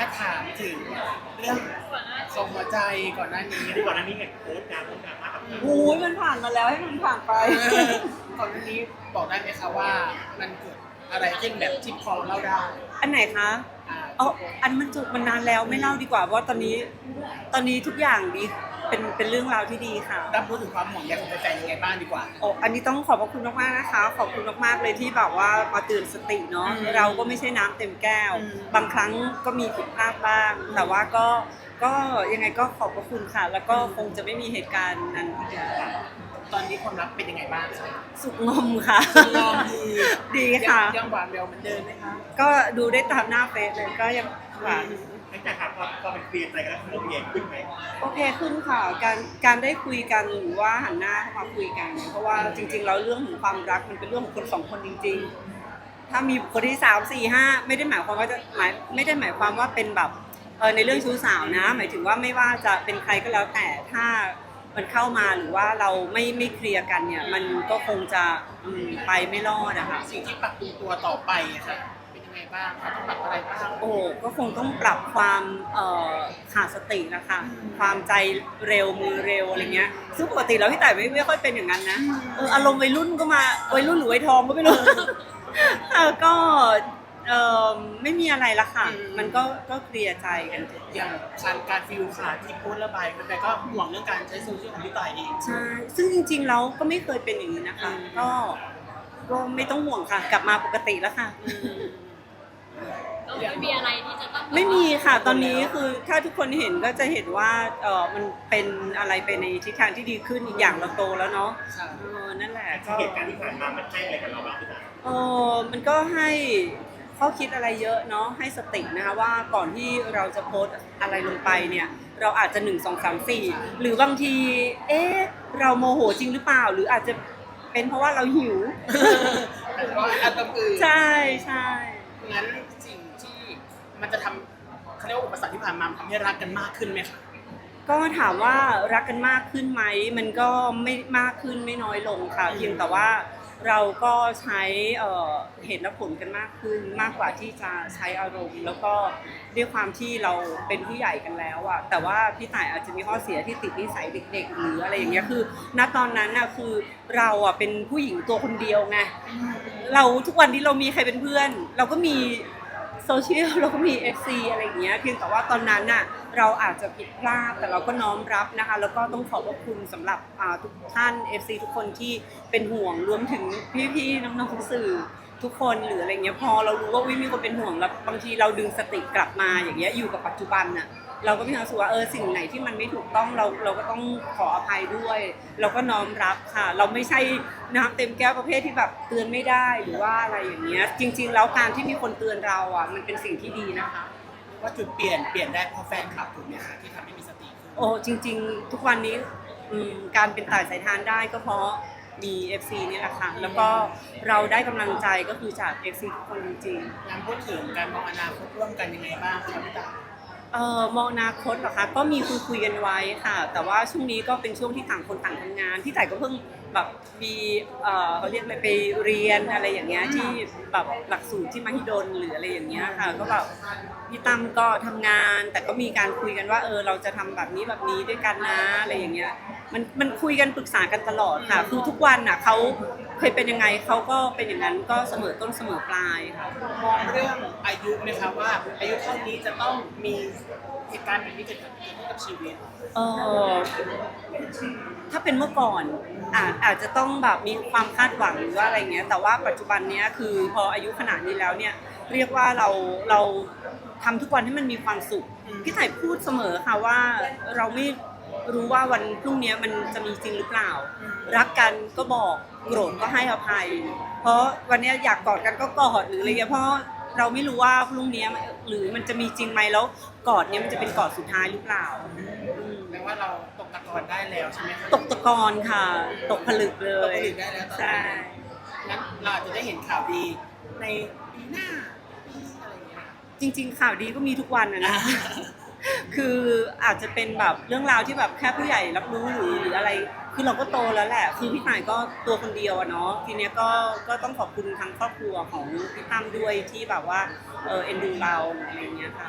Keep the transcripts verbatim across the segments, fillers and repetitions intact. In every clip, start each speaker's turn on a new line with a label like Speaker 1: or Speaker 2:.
Speaker 1: ากถามถึงเรื่องส่งหัวใจก่อนหน้านี้
Speaker 2: ที่ก่อนหน้านี้เห็นโพสต์การโพสต์การมากกับพี่
Speaker 3: โอ้ยมันผ่านมาแล้วให้มันผ่านไป
Speaker 1: เออก่อนหน้านี้บอกได้ไหมคะว่ามันเกิดอะไรขึ้นแบบที่พอเล่าได้
Speaker 3: อันไหนคะ
Speaker 1: อ่า
Speaker 3: เอาอันมันจบมันนานแล้วไม่เล่าดีกว่าเพราะตอนนี้ตอนนี้ทุกอย่างดีเป็นเป็นเรื่องราวที่ดีค่ะ
Speaker 1: รับรู้ถึงความห่วงใยของแฟนๆยังไงบ้างดีกว่า
Speaker 3: โอ้อันนี้ต้องขอบพระคุณมากๆนะคะ ขอบคุณมากๆเลยที่แบบว่ามาเตือนสติเนาะ
Speaker 1: อืม
Speaker 3: เราก็ไม่ใช่น้ำเต็มแก้ว
Speaker 1: อืม
Speaker 3: บางครั้งก็มีผิดพลาดบ้าง แต่ว่าก็ก็ยังไงก็ขอบพระคุณค่ะ แล้วก็คงจะไม่มีเหตุการณ์นั้นอีกแล้ว
Speaker 1: ตอนนี้ความรักเป็นยังไงบ้างคะ
Speaker 3: สุขงอมค่ะ
Speaker 1: ลองดี
Speaker 3: ดีค่ะ
Speaker 1: ยังยังหวานเร็วเหมือนเดิมไหมคะ
Speaker 3: ก็ดูได้ตามหน้าเฟซเลยก็ยังหวาน
Speaker 2: หลังจากถามพอพอเป็นเคลียร์ใจกันแล้วมันโอเคขึ้นไหม
Speaker 3: โอเคขึ้นค่ะการการได้คุยกันหรือว่าหันหน้าเข้ามาคุยกันเนี่ยเพราะว่าจริงๆแล้วเรื่องของความรักมันเป็นเรื่องของคนสองคนจริงๆ ถ้ามีคนที่สามสี่ห้าไม่ได้หมายความว่าจะหมายไม่ได้หมายความว่าเป็นแบบเออในเรื่องชู้สาวนะ หมายถึงว่าไม่ว่าจะเป็นใครก็แล้วแต่ถ้ามันเข้ามาหรือว่าเราไม่ไม่เคลียร์กันเนี่ยมันก็คงจะอืมไปไม่รอดอะค่ะ
Speaker 1: สิ่งที่ปรับปรุงตัวต่อไปอะค่ะเป็นยังไงบ้างคะต้องปรับอะไรบ้าง
Speaker 3: โอ้ก็คงต้องปรับความเอ่อขาดสตินะคะ ความใจเร็วมือเร็วอะไรเงี้ยซึ่งปกติแล้วพี่ต่ายไม่ไม่ค่อยเป็นอย่างนั้นนะเอออารมณ์วัยรุ่นก็มาวัยรุ่นหรือวัยทองก็ไม่รู้ เออก็เออไม่มีอะไรละค่ะ มันก็ก็เคลียร์ใจกันจบ
Speaker 1: อย่างการการฟิลขาดที่โพสต์ระบายแฟนๆก็ห่วงเรื่องการใช้โซเชียลของพี่ต่ายเอง
Speaker 3: ใช่ซึ่งจริงๆแล้วก็ไม่เคยเป็นอย่างนี้นะคะ
Speaker 1: อืม
Speaker 3: ก็ก็ไม่ต้องห่วงค่ะ กลับมาปกติแล้วค่ะ
Speaker 4: ก็ไม่มีอะไรที่จะต้อง
Speaker 3: ไม่มีค่ะตอนนี้คือถ้าทุกคนเห็นก็จะเห็นว่าเออมันเป็นอะไรไปในทิศทางที่ดีขึ้นอีกอย่างเราโตแล้วเนาะ
Speaker 1: ค่ะ
Speaker 3: เออนั่นแหละก็
Speaker 2: เหตุการณ์ที่ผ่านมามันให้อะไรกับเราบ้างพี่ตา
Speaker 3: เออมันก็ให้ข้อคิดอะไรเยอะเนาะให้สตินะคะว่าก่อนที่เราจะโพสต์อะไรลงไปเนี่ยเราอาจจะหนึ่งสองสามสี่หรือบางทีเอ๊ะเราโมโหจริงหรือเปล่า หรืออาจจะเป็นเพราะว่าเราหิว
Speaker 1: แต่ว่าอันตรอื่น
Speaker 3: ใช่ใช่
Speaker 1: งั้นสิ่งที่มันจะทำเขาเรียกว่าอุปสรรคที่ผ่านมามันทำให้รักกันมากขึ้นไหมคะ
Speaker 3: ก็ถามว่ารักกันมากขึ้นไหมมันก็ไม่มากขึ้นไม่น้อยลงค่ะเพียงแต่ว่าเราก็ใช้เอ่อเหตุและผลกันมากขึ้นมากกว่าที่จะใช้อารมณ์ แล้วก็ด้วยความที่เราเป็นผู้ใหญ่กันแล้วอะแต่ว่าพี่ต่ายอาจจะมีข้อเสียที่ติดนิสัยเด็ก ๆ หรืออะไรอย่างเงี้ยคือณตอนนั้นอะคือเราอะเป็นผู้หญิงตัวคนเดียวไงเราทุกวันที่เรามีใครเป็นเพื่อน เราก็มีโซเชียลเราก็มี เอฟ ซี อะไรอย่างเงี้ยเพียงแต่ว่าตอนนั้นน่ะเราอาจจะผิดพลาดแต่เราก็น้อมรับนะคะแล้วก็ต้องขอบพระคุณสำหรับอ่าทุกท่าน เอฟ ซี ทุกคนที่เป็นห่วงรวมถึงพี่ๆน้องๆสื่อทุกคนหรืออะไรเงี้ยพอเรารู้ว่าวิมีคนเป็นห่วงแล้วบางทีเราดึงสติกลับมาอย่างเงี้ยอยู่กับปัจจุบันน่ะเราก็มีความรู้สึกว่าเออสิ่งไหนที่มันไม่ถูกต้องเราเราก็ต้องขออภัยด้วย เราก็น้อมรับค่ะ เราไม่ใช่น้ำเต็มแก้วประเภทที่แบบเตือนไม่ได้หรือว่าอะไรอย่างเงี้ยจริง ๆ แล้วการที่มีคนเตือนเราอ่ะมันเป็นสิ่งที่ดีนะคะ
Speaker 1: ว่าจุดเปลี่ยนเปลี่ยนได้เพราะแฟนคลับถูกไหมคะที่ทำให้มีสติขึ้น
Speaker 3: โอ้จริง ๆ ทุกวันนี้อืมการเป็นต่ายสายทานได้ก็เพราะมี เอฟ ซี นี่แหละค่ะแล้วก็เราได้กำลังใจก็คือจาก เอฟ ซี ทุกคนจริงๆ
Speaker 1: งานพูดถึงการมองอนาคตร่วมกันยังไงบ้างคะพี่ตาย
Speaker 3: เอ่อมองอนาคตเหรอคะก็มีคุยคุยกันไว้ค่ะ แต่ว่าช่วงนี้ก็เป็นช่วงที่ต่างคนต่างทำงานที่แต่ก็เพิ่งแบบมีเอ่อเขาเรียกอะไรไปเรียนอะไรอย่างเงี้ยที่แบบหลักสูตรที่มหิดลหรืออะไรอย่างเงี้ยค่ะก็แบบพี่ตั้มก็ทำงาน แต่ก็มีการคุยกันว่าเออเราจะทำแบบนี้แบบนี้ด้วยกันนะอะไรอย่างเงี้ยมันมันคุยกันปรึกษากันตลอดค่ะคือทุกวันน่ะเขาเคยเป็นยังไงเขาก็เป็นอย่างนั้นก็เสมอต้นเสมอปลายค่ะ
Speaker 1: มองเรื่องอายุไหมคะว่าอายุเท่านี้จะต้องมีเหตุการณ์แบบนี้เกิดขึ้นกับชีวิต
Speaker 3: เออถ้าเป็นเมื่อก่อนอาจอาจจะต้องแบบมีความคาดหวังหรือว่าอะไรเงี้ยแต่ว่าปัจจุบันเนี้ยคือพออายุขนาดนี้แล้วเนี่ยเรียกว่าเราเราทำทุกวันให้มันมีความสุขพี่ไถ่พูดเสมอค่ะว่าเราไม่รู้ว่าวันพรุ่งนี้มันจะมีจริงหรือเปล่า รักกันก็บอกโกรธก็ให้อภัย เพราะวันนี้อยากกอดกันก็กอดหรืออะไรเงี้ยเพราะเราไม่รู้ว่าพรุ่งนี้หรือมันจะมีจริงไหมแล้วกอดเนี้ยมันจะเป็นกอดสุดท้ายหรือเปล่า
Speaker 1: แปลว่าเราตกตะกอนได้แล้วใช่ไหมคะ
Speaker 3: ตกตะกอนค่ะ ตกผลึกเล
Speaker 1: ตก
Speaker 3: ย
Speaker 1: ผลึกได้แล้วตอน
Speaker 3: ใช่
Speaker 1: นี้งั้นเราอาจจะได้เห็นข่าวดีในปีหน้าปีอะไรอย่างเงี้ย
Speaker 3: จริง ๆ ข่าวดีก็มีทุกวันนะนะ คืออาจจะเป็นแบบเรื่องราวที่แบบแค่ผู้ใหญ่รับรู้หรือหรืออะไร คือเราก็โตแล้วแหละ คือพี่หมายก็ตัวคนเดียวอะเนาะ ทีเนี้ยก็ก็ต้องขอบคุณทางครอบครัวของพี่ตั้มด้วยที่แบบว่าเออเอ็นดูเราอะไรอย่างเงี้ยค่ะ
Speaker 1: อืม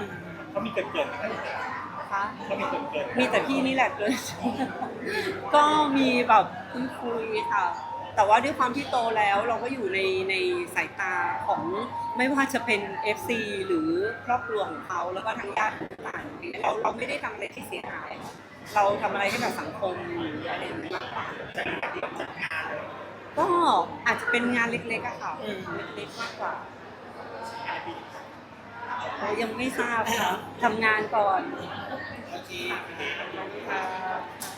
Speaker 2: เขามีเกินเกินไหมครับ
Speaker 3: คะ
Speaker 2: เขามีเกินเกิน
Speaker 3: มีแต่พี่นี่แหละเลย ก็มีแบบคุยคุยๆค่ะ แต่ว่าด้วยความที่โตแล้วเราก็อยู่ในในสายตาของไม่ว่าจะเป็น เอฟ ซี หรือครอบครัวของเขาแล้วก็ทางญาติต่างๆเราเราไม่ได้ทำอะไรที่เสียหาย เราทำอะไรให้กับสังคมหรืออะไรอย่างนี้มากกว่าก็อาจจะเป็นงานเล็กๆอะค่ะเล็กๆมากกว่าเรายังไม่ทราบค่ะทำงานก่อน
Speaker 1: โอเค
Speaker 3: ค่ะ